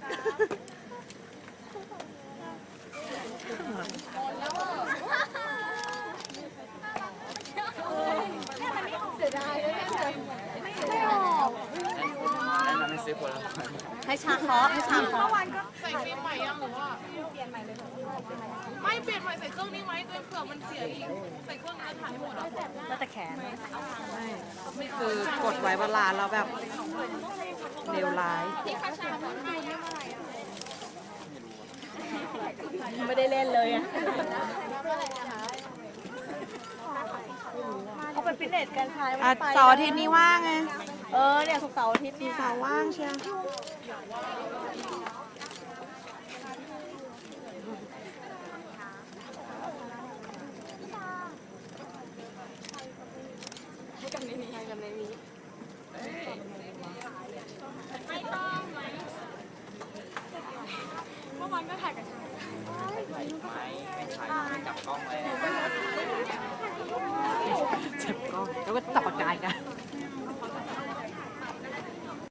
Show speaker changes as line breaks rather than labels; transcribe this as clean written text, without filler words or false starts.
เสียดายเลยไม่ออกแนะนำให้ซื้อผลไม้ให้ชาเคาะให้ชาเคาะ
ใส่ฟิล์มใหม่ยังหรือว่าเปลี่ยนใหม่เลยไม่เปลี่ยนใหม่ใส่เครื่องนี้ไหมด้วยเผื่อมันเสียอีกใส่เครื่องนี้แล้วถ่ายให้หมดอ่ะ
ก็แต่แขนไม่คือกดไว้เวลาแล้วแบบเลวร้าย
ไม่ได้เล่นเลยอ่ะเขาไปฟิตเนสกันชาย
เสาร์อาทิตย์นี้ว่างไง
เนี่ยศุกร์เสาร์อาทิตย์เนี่ย
เสาร์ว่างเชียวเจ็บกล้องแล้วก็จับปากกากัน